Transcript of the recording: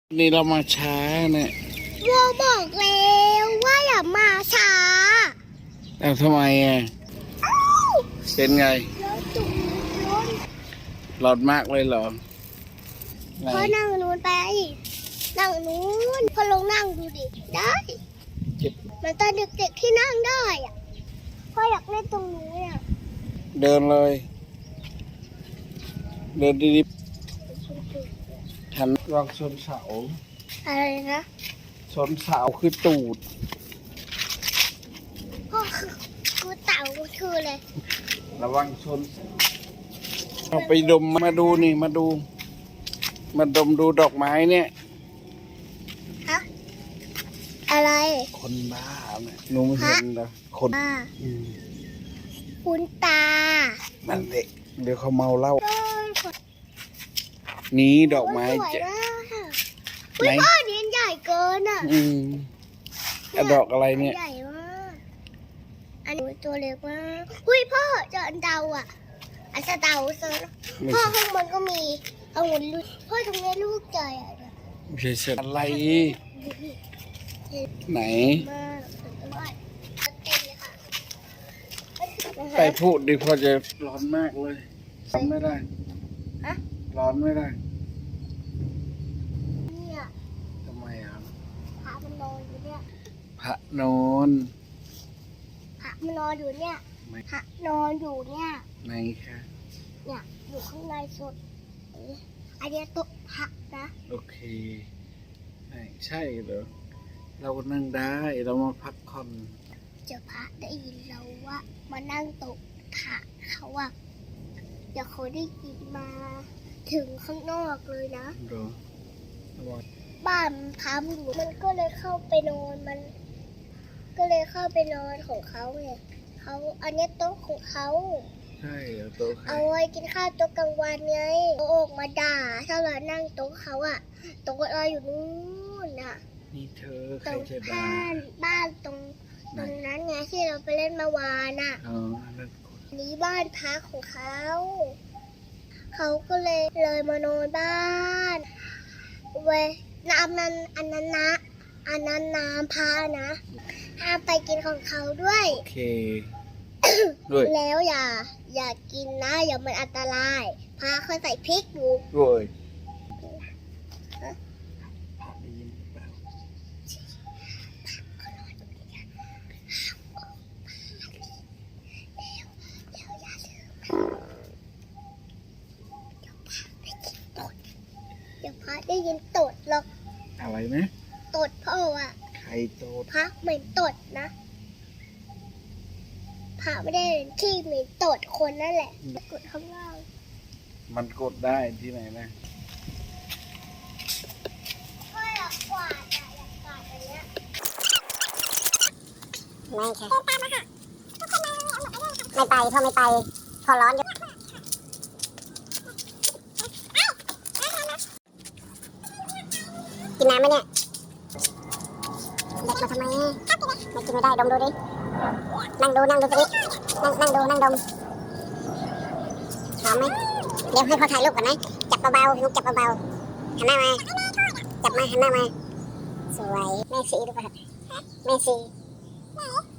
นี่เรามาช้าเนี่ยวัวบอกแล้วว่าอย่ามาช้าแล้วทำไมอ่ะเป็นไงรถจุกรถร้อนมากเลยเหรอพอนั่งนู้นไปนั่งนู้นพอลงนั่งดูดิได้มันตอนเด็กๆที่นั่งได้อ่ะพ่ออยากเล่นตรงนู้นอ่ะเดินเลยเดินดีๆทันวางชนเสาอะไรนะชนเสาคือตูดพ่อคือเต่าคือเลยระวังชนเอาไปดมมาดูนี่มาดูมาดมดูดอกไม้เนี่ยฮะอะไรคนบ้าเนี่ยหนูไม่เห็นเหรอคนบ้าคุณตามันเด็กเดี๋ยวเขาเมาเหล้านี้ดอกไม้จะไหนพ่อเนี้ยใหญ่เกินอ่ะดอกอะไรเนี่ยใหญ่มากอันนี้ตัวเล็กมากอุ้ยพ่อเจออันเดาอ่ะอันสะเดาเซอร์พ่อข้างบนก็มีเอาหุ่นลูกพ่อตรงนี้ลูกใจอ่ะไม่ใช่เสร็จอะไรไหนไปพูดดิพอจะร้อนมากเลยร้อนไม่ได้ร้อนไม่ได้เนี่ยทำไมอ่ะพระมันนอนอยู่เนี่ยพระนอนพระมันนอนอยู่เนี่ยพระนอนอยู่เนี่ยไหนคะเนี่ยอยู่ข้างในสุดอันนี้โต๊ะพระนะโอเคใช่เหรอเรานั่งได้เรามาพักผ่อนเจ้าพระได้ยินเราว่ามานั่งโต๊ะพระเขาว่าเดี๋ยวเขาได้ยินมาถึงข้างนอกเลยนะบ้านพังอยู่มันก็เลยเข้าไปนอนมันก็เลยเข้าไปนอนของเขาไงเขาอันนี้โต๊ะของเขาใช่โต๊ะเอาไว้กินข้าวโต๊ะกลางวันไงโออกมาด่าถ้าเรานั่งโต๊ะเขาอะโต๊ะเราอยู่นู่นอะนี่เธอใครจะด่าบ้านตรงนั้นไงที่เราไปเล่นเมื่อวานอะนี้บ้านพักของเขาเขาก็เลยมานอนบ้านเว้ยน้ำนั้นอันนั้นนะอันนั้นน้ำพานะห้ามไปกินของเขาด้วยโอเคด้วยแล้วอย่ากินนะอย่ามันอันตรายพาเขาใส่พริกอยู่ด้วยเดี๋ยวพระได้ยินตดหรอกอะไรนะตดพ่ออ่ะใครตดพระเหม็นตดนะพระไม่ได้ที่เหม็นตดคนนั่นแหละกดข้างล่างมันกดได้ที่ไหนนะก็อยากกวาดอันเนี้ยไม่ค่ะไม่ไปพ่อไม่ไปพอร้อนอยู่กินน้ำไหมเนี่ยเด็กมาทำไมไม่กินไม่ได้ดมดูดินั่งดูตรงนี้นั่งดูนั่งดมหอมไหมเดี๋ยวให้พ่อถ่ายรูปก่อนนะจับเบาๆนุกจับเบาๆหันหน้ามาจับมาหันหน้ามาสวยแม่สีดูป่ะแม่สี